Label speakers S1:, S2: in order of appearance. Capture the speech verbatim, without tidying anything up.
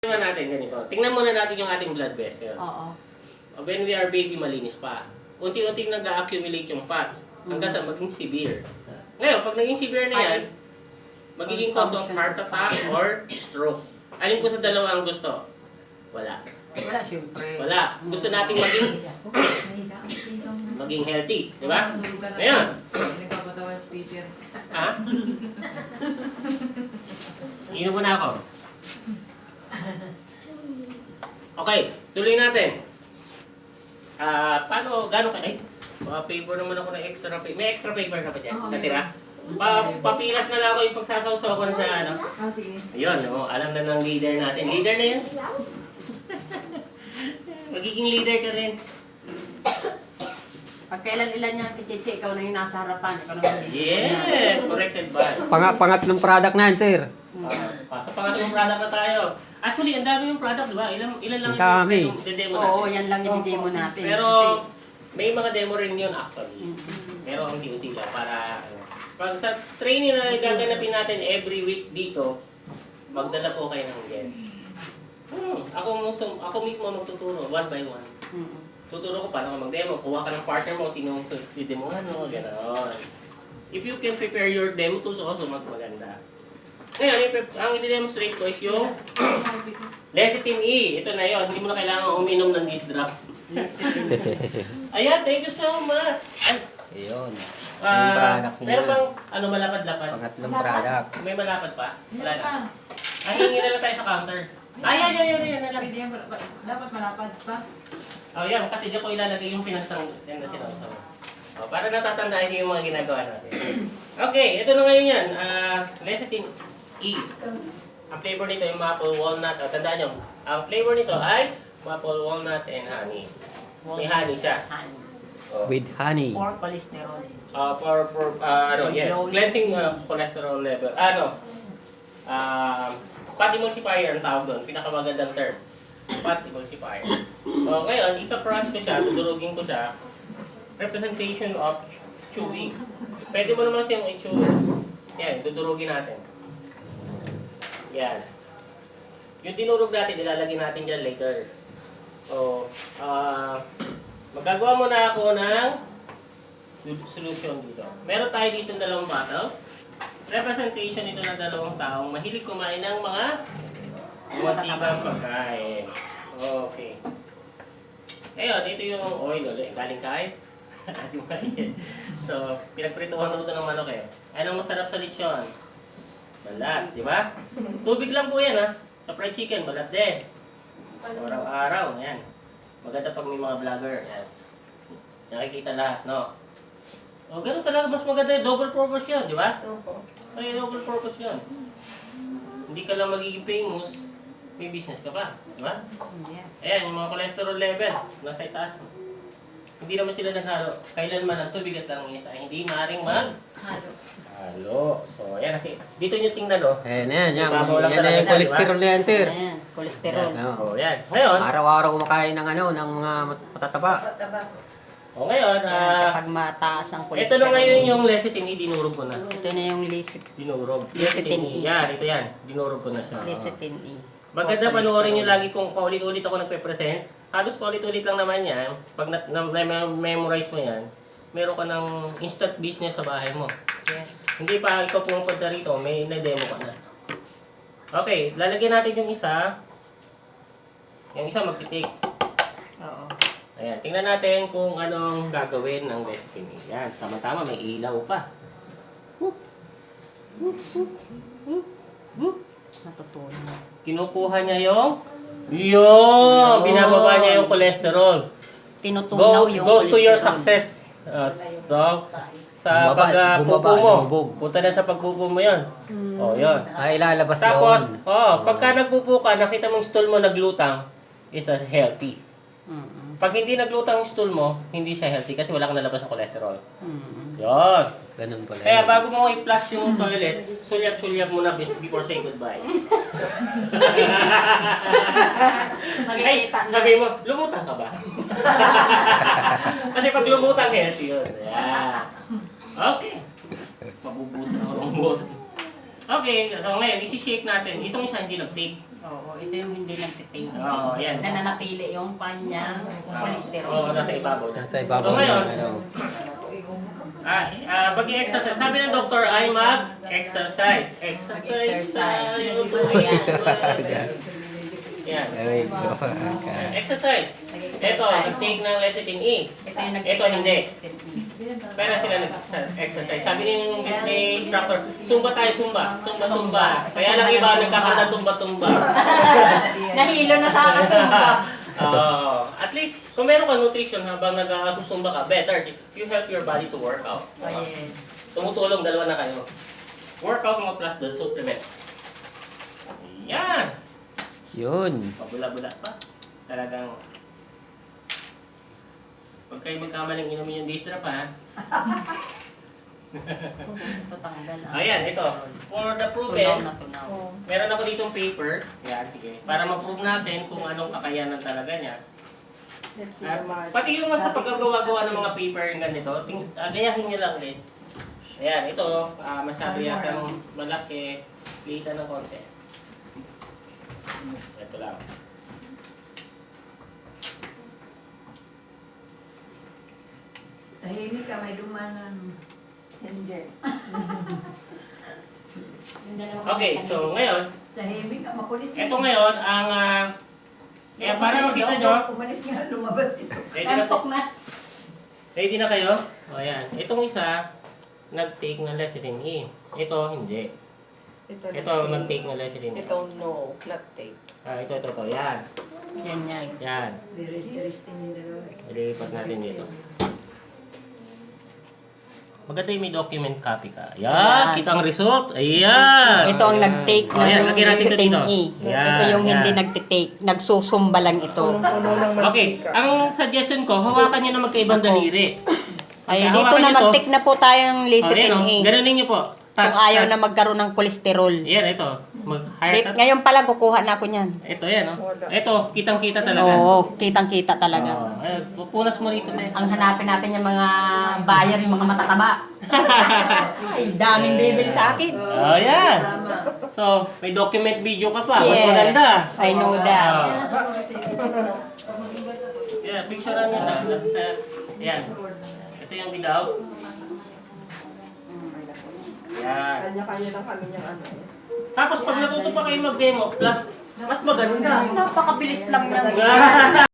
S1: Tingnan natin ganito. Tingnan muna natin yung ating blood vessel.
S2: Oo.
S1: When we are baby, malinis pa. Unti-unti nag-accumulate yung fat hanggang sa maging severe. Ngayon, pag naging severe na yan, magiging cause of heart attack or stroke. Alin po sa dalawa ang gusto? Wala.
S2: Wala, syempre.
S1: Wala. Gusto nating maging maging healthy, di ba? Ngayon.
S3: Nagpapatawa si Peter.
S1: Ha? Inom muna ako. Okay, tuloy natin. Ah, paano, gano'n ka, ay, pa-paper naman ako ng extra paper. May extra paper ka pa dyan? Natira? Pa papilas na lang ako yung pagsasawsaw ko na sa ano.
S3: Ah, sige.
S1: Ayun, oh, alam na ng leader natin. Leader na yun. Magiging leader ka rin.
S2: Pag kailan ilan niya, Tichichi, ikaw na yung nasa harapan. Ikaw na yung
S1: Yes, corrected ba?
S4: Pang pangatlong product na yan, sir.
S1: Uh, sa pangatlong product na tayo. Actually, ang dami yung product, di ba? Ilan, ilan lang
S4: Ang dami.
S1: yung demo natin.
S2: Oo, yan lang yung demo natin.
S1: Pero,
S2: Kasi,
S1: may mga demo rin yun actually. Pero hindi-unti lang para, ano. Pag sa training na gaganapin natin every week dito, magdala po kayo ng guest. Hmm, ako, mismo, ako mismo magtuturo, one by one.
S2: mm
S1: Tuturo ko paano ka mag-demo. Kuha ka ng partner mo, sino i-demohan mo, gano'n. If you can prepare your demo tools also, magmaganda. Ngayon, ang i-demonstrate ko is yung lecithin E. Ito na yun. Hindi mo na kailangan uminom ng this drop. Ayan, thank you so much. Ay,
S4: Ayun.
S1: ah,
S4: product niya.
S1: meron bang ano, malapad-lapad?
S4: Pangatlong product.
S1: May malapad pa? Wala na. Ay, hingi na lang tayo sa counter. Ay, yan, yan, yan, yan, yan.
S3: Pwede yan, dapat malapad pa.
S1: Oh, yan. Kasi diyan ko ilalagay yung pinastang yan na sinawsaw. Oh, para natatandaan niyo yung mga ginagawa natin. Okay, ito na ngayon yan. Uh, lecithin E. Ang flavor nito yung maple walnut. Oh, tandaan nyo, ang flavor nito ay maple walnut and honey. May honey siya.
S2: honey.
S1: Oh.
S4: With honey.
S2: Or cholesterol.
S1: Uh, for, for, uh, ano, yes,
S2: Low
S1: cleansing
S2: skin.
S1: uh, cholesterol level. Ano, uh, fat emulsifier ang tawag doon. Pinakamagandang term. Fat emulsifier. So, ngayon, ita-brush ko siya, tudurugin ko siya. Representation of chewing. Pwede mo naman siyang i-chew. Yan, dudurugin natin. Yan. Yung dinurog natin, ilalagay natin dyan later. So, uh, magagawa muna ako ng solution dito. Meron tayo dito ng dalawang bottle. Representation ito ng dalawang taong mahilig kumain ng mga matibang pagkain. Okay. Ngayon, ito yung oil ulit. Galing kain. So, pinagprituhan ko ito ng manok eh. Anong masarap sa lechon? Balat, di ba? Tubig lang po yan ha. Sa fried chicken, balat din. Araw-araw, yan. Maganda pag may mga vlogger. Yan. Nakikita lahat, no? O, ganun talaga, mas maganda yung double purpose yun, di ba? Ay, double purpose yun. Hindi ka lang magiging famous, may business ka pa, di ba?
S2: Yes.
S1: Ayan, yung mga cholesterol level, nasa itaas mo. Hindi naman sila naghalo. Kailanman ang tubig at lang isa, hindi maaaring mag
S2: Halo.
S1: halo. So, ayan kasi, dito nyo tingnan, no?
S4: Ayan na yan. Yan,
S1: Ibabaw lang
S4: yan na
S1: talaga
S4: yung
S1: siya,
S4: cholesterol na yan, sir.
S2: Ayan, cholesterol.
S4: Yan, oh.
S1: O, yan. Ngayon,
S4: Araw-araw kumakain ng ano, ng mga matataba.
S1: o ngayon,
S2: Ayan,
S1: ah,
S2: kapag mataas ang
S1: ito
S2: cholesterol.
S1: na ngayon yung lecithin E, dinurog ko na.
S2: Ito na yung lecithin
S1: Dinurog.
S2: Lecithin E.
S1: Yan, ito yan. Dinurog ko na siya.
S2: lecithin E.
S1: Maganda
S2: Or
S1: panoorin nyo
S2: cholesterol.
S1: lagi kung paulit-ulit ako nagpe-present. Halos paulit-ulit lang naman yan. Pag na-memorize mo yan, meron ka ng instant business sa bahay mo.
S2: Yes.
S1: Hindi pa ikaw pumunta rito, may na-demo ka na. Okay, lalagyan natin yung isa. Yung isa magtitik.
S2: Oo.
S1: Ayan, tingnan natin kung anong gagawin ng lecithin E. Yan, tama-tama, may ilaw pa. Whoop. Whoop, whoop, whoop, whoop.
S2: Natutunan.
S1: Kinukuha niya yung yun! Binababa niya yung cholesterol.
S2: Tinutunaw
S1: Go,
S2: yung
S1: goes to your
S2: cholesterol.
S1: success. Uh, so, sa
S4: Bumaba,
S1: pagpupo
S4: bumaba,
S1: mo.
S4: lumubog.
S1: Punta na sa pagpupo mo yun. Oh, yun.
S4: Ay, ilalabas
S1: Tapos,
S4: yun.
S1: oh, pagka nagpupo ka, nakita mong stool mo naglutang, is that healthy.
S2: Mm-mm.
S1: Pag hindi naglutang yung stool mo, hindi siya healthy kasi wala kang nalabas ng cholesterol.
S2: Mm-mm.
S1: Yun.
S4: Ganun pala.
S1: Kaya
S4: yun.
S1: bago mo i-flush yung toilet, sulyap-sulyap muna before say goodbye. Ay,
S2: Makikita na.
S1: sabi mo, lumutang ka ba? Kasi pag lumutang, healthy yun. Yeah. Okay. Mabubusan ako ng boss. Okay, so ngayon, isi-shake natin. Itong isa hindi nag-take.
S2: Oo, ito yung hindi nagtitain.
S1: Oo, yan.
S2: Nananatili yung kanyang cholesterol.
S1: Oo, nasa ibabaw.
S4: Nasa ibabaw
S1: So, ngayon,
S4: ng ano.
S1: Ah, ah, pag-i-exercise. Sabi ng doktor ay mag-exercise. Exercise tayo.
S2: Mag-exercise.
S1: Yan.
S4: Ay, go. Okay.
S1: Exercise. Ito, nag-take ng lecithin E.
S2: Ito yung
S1: Ito
S2: nagtitain
S1: hindi.
S2: ng
S1: Pero sila nag-exercise. Sabi ni yung ni instructor, tumba tayo, tumba. Tumba, tumba. Kaya lang iba, nagkakanta tumba, tumba.
S2: Nahilo na sa kasumba.
S1: Oh, at least, kung meron ka nutrition habang nag-susumba ka, better. You help your body to work out.
S2: Oh, yes.
S1: Tumutulong, dalawa na kayo. Workout mo plus the supplement. Yan!
S4: Yun.
S1: Pabula-bula pa. Talagang... Huwag kayo magkamaling inumin yung distra pa, ha?
S2: Ito tanggal. ah.
S1: Ayan, ito. For the
S2: Tunaw
S1: proven,
S2: na tunaw.
S1: meron ako ditong paper. Yan, sige. Para ma-prove natin kung anong kakayanan talaga niya. At pati yung sa paggagawa-gawa ng mga paper yung ganito, ting, uh, gayahin niyo lang din. Ayan, ito, ah, masyado yata malaki. Litan ng konti. Ito lang.
S5: Tahimik ka, may dumanan. Hindi.
S1: Okay, so ngayon,
S5: Tahimik ka, makulit.
S1: ito ngayon ang... ah, kaya para makita nyo,
S5: Umalis nga, lumabas ito.
S1: ready na,
S2: Antok na.
S1: ready na kayo? O ayan, itong isa, nag-take ng lecithin E. Ito, hindi.
S6: Ito,
S1: Ito, nag-take ng lecithin E.
S6: Ito, no, flat take.
S1: Ah, ito, ito, ito. Yan.
S2: Yan yan.
S1: Yan.
S5: Very interesting yung dalawa.
S1: Ilipat natin dito. Maganda yung may document copy ka. Yan,
S2: Yan.
S1: kita ang result. Ayan.
S2: Ito ang nag-take
S1: Oh, yan,
S2: ng
S1: lagyan natin ito
S2: lecithin
S1: dito.
S2: E.
S1: Yan,
S2: Ito yung hindi
S1: yan.
S2: nagtitake. Nagsusumba lang ito.
S6: Punong-puno ng
S1: Okay,
S6: mantika.
S1: ang suggestion ko, hawakan nyo na magkaibang
S2: Ako.
S1: daliri.
S2: Ay,
S1: Hawakan
S2: dito na
S1: nyo to.
S2: mag-take na po tayo ng lecithin
S1: Oh,
S2: E.
S1: yan, oh. Ganunin nyo po.
S2: Kung
S1: Touch,
S2: ayaw
S1: touch.
S2: na magkaroon ng kolesterol.
S1: Yan, ito. Mag higher
S2: Di-
S1: touch.
S2: Ngayon pa lang kukuha na ako niyan.
S1: Ito, yan. Oh. Ito, kitang-kita talaga.
S2: Oo, kitang-kita talaga.
S1: Oh, ay, pupunas mo rito, te.
S2: Ang hanapin natin yung mga buyer, yung mga matataba. Ay, daming bibili sa akin.
S1: Oh, yan.
S5: Tama.
S1: So, may document video ka pa. Mas
S2: Yes,
S1: maganda.
S2: I know that.
S1: Oh. Yeah, picturean nyo na. Basta, yan. Ito yung without. Yan.
S6: Kanya-kanya lang kami niyang ano eh.
S1: Tapos pag natuto pa kayo mag-demo, plus, mas maganda.
S2: Napakabilis lang yan.